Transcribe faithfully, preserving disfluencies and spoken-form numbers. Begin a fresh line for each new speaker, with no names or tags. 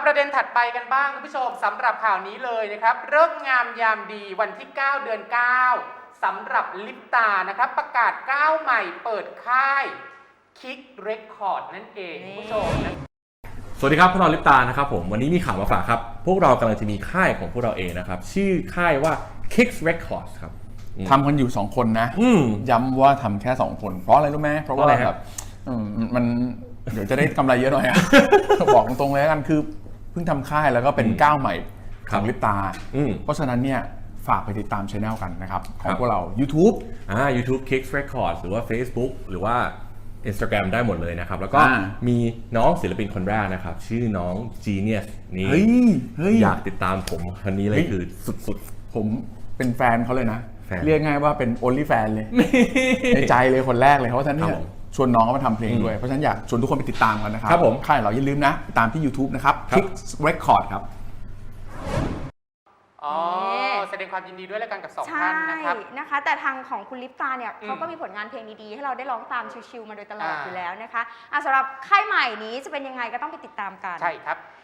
ประเด็นถัดไปกันบ้างคุณผู้ชมสำหรับข่าวนี้เลยนะครับเริ่มงามยามดีวันที่เก้าเดือนเก้าสำหรับลิปตานะครับประกาศก้าวใหม่เปิดค่ายคิกเรคคอร์ดนั่นเองคุณผู้ชมนะ
สวัสดีครับพวกเราลิปตานะครับผมวันนี้มีข่าวมาฝากครับพวกเรากำลังจะมีค่ายของพวกเราเองนะครับชื่อค่ายว่า Kicks Records ครับ
ทำกันอยู่สองคนนะย้ำว่าทำแค่สองคนเพราะอะไรรู้ไหมเพราะว่าแบบมันเดี๋ยวจะได้กำไรเยอะหน่อย บอกตรงๆเลยกันคือเพิ่งทำค่ายแล้วก็เป็นก้าวใหม่ของลิปตาเพราะฉะนั้นเนี่ยฝากไปติดตามช่องกันนะครับของพวกเรา YouTube
อ่า YouTube Kicks Records หรือว่า Facebook หรือว่า Instagram ได้หมดเลยนะครับแล้วก็มีน้องศิลปินคนแรกนะครับชื่อน้อง Genius นี่อยากติดตามผมคนนี้เลยคือสุด
ๆผมเป็นแฟนเขาเลยนะเรียกง่ายว่าเป็น only fan เลยในใจเลยคนแรกเลยเพราะฉะนั้นเนี่ยชวนน้องเขามาทำเพลงด้วยเพราะฉะนั้นอยากชวนทุกคนไปติดตามกันนะครับผมค่ายเราอย่าลืมนะติดตามที่ YouTube นะครับ Kicks Record ครับ
อ๋อแสดงความยินดีด้วยแล้วกันกับสองท่านนะครับ
นะคะแต่ทางของคุณลิปตาเนี่ยเขาก็มีผลงานเพลงดีๆให้เราได้ร้องตามชิวๆมาโดยตลอดอยู่แล้วนะคะสำหรับค่ายใหม่นี้จะเป็นยังไงก็ต้องไปติดตามกัน
ใช่ครับ